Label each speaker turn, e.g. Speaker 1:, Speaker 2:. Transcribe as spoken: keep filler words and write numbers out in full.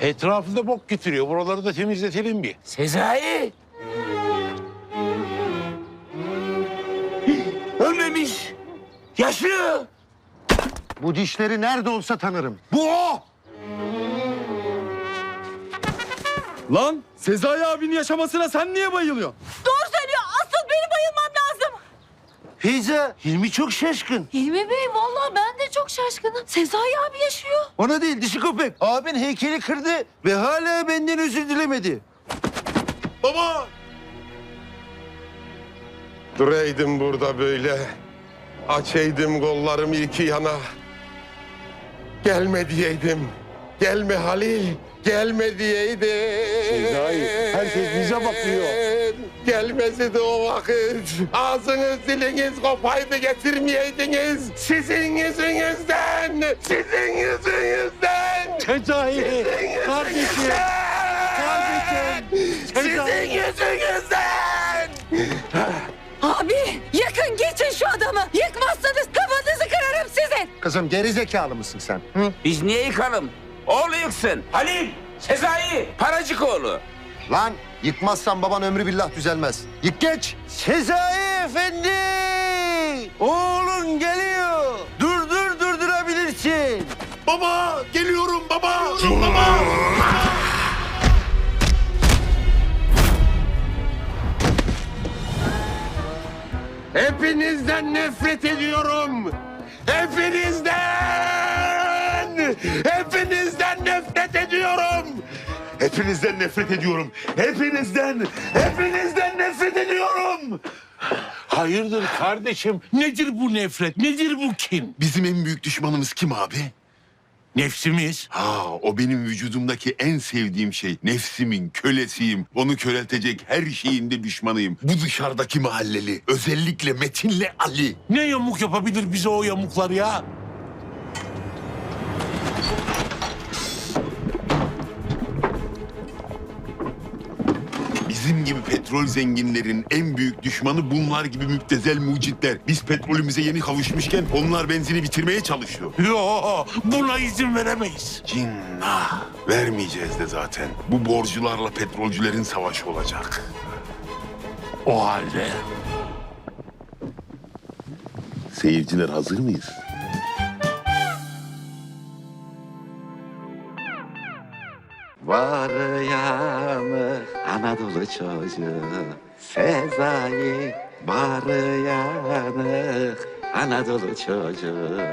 Speaker 1: Etrafında bok getiriyor. Buraları da temizletelim bir.
Speaker 2: Sezai! Ölmemiş. Yaşıyor.
Speaker 3: Bu dişleri nerede olsa tanırım.
Speaker 2: Bu o.
Speaker 4: Lan Sezai abinin yaşamasına sen niye bayılıyorsun?
Speaker 5: Doğru söylüyor. Asıl benim bayılmam lazım.
Speaker 3: Feyza, Hilmi çok şaşkın.
Speaker 5: Hilmi Bey vallahi ben de çok şaşkınım. Sezai abi yaşıyor.
Speaker 3: Ona değil dişi köpek. Abin heykeli kırdı ve hala benden özür dilemedi.
Speaker 6: Baba! Duraydım burada böyle. Açaydım kollarımı iki yana. Gelme diyeydim. Gelme Halil. Gelme diyeydim.
Speaker 1: Sezai, herkes bize bakıyor.
Speaker 6: Gelmesi de o vakit. Ağzınız diliniz kopaydı getirmeyeydiniz. Sizin yüzünüzden. Sizin yüzünüzden.
Speaker 1: Sezai, kardeşim. Kardeşim.
Speaker 6: Sizin yüzünüzden.
Speaker 5: Abi yakın geçin şu adamı. Yıkmazsanız kafanızı kırarım sizin.
Speaker 3: Kızım geri zekalı mısın sen? Hı?
Speaker 2: Biz niye yıkalım? Oğlu yıksın. Halil, Sezai, Paracık oğlu.
Speaker 3: Lan yıkmazsan baban ömrü billah düzelmez. Yık geç. Sezai efendi. Oğlun geliyor. Durdur durdurabilirsin.
Speaker 6: Baba geliyorum baba. Baba. Hepinizden nefret ediyorum. Hepinizden! Hepinizden nefret ediyorum. Hepinizden nefret ediyorum. Hepinizden, hepinizden nefret ediyorum.
Speaker 1: Hayırdır kardeşim? Nedir bu nefret? Nedir bu kin?
Speaker 7: Bizim en büyük düşmanımız kim abi?
Speaker 1: Nefsimiz.
Speaker 7: Ha, o benim vücudumdaki en sevdiğim şey. Nefsimin kölesiyim. Onu köreltecek her şeyin de düşmanıyım. Bu dışarıdaki mahalleli. Özellikle Metin'le Ali.
Speaker 1: Ne yamuk yapabilir bize o yamuklar ya?
Speaker 7: Bizim gibi petrol zenginlerin en büyük düşmanı bunlar gibi müptezel mucitler. Biz petrolümüze yeni kavuşmuşken onlar benzini bitirmeye çalışıyor.
Speaker 1: Yo, buna izin veremeyiz.
Speaker 7: Cinnah. Vermeyeceğiz de zaten. Bu borcularla petrolcülerin savaşı olacak.
Speaker 1: O halde
Speaker 7: Seyirciler hazır mıyız?
Speaker 8: Var yanı Anadolu çocuğu Sezai var yanı Anadolu çocuğu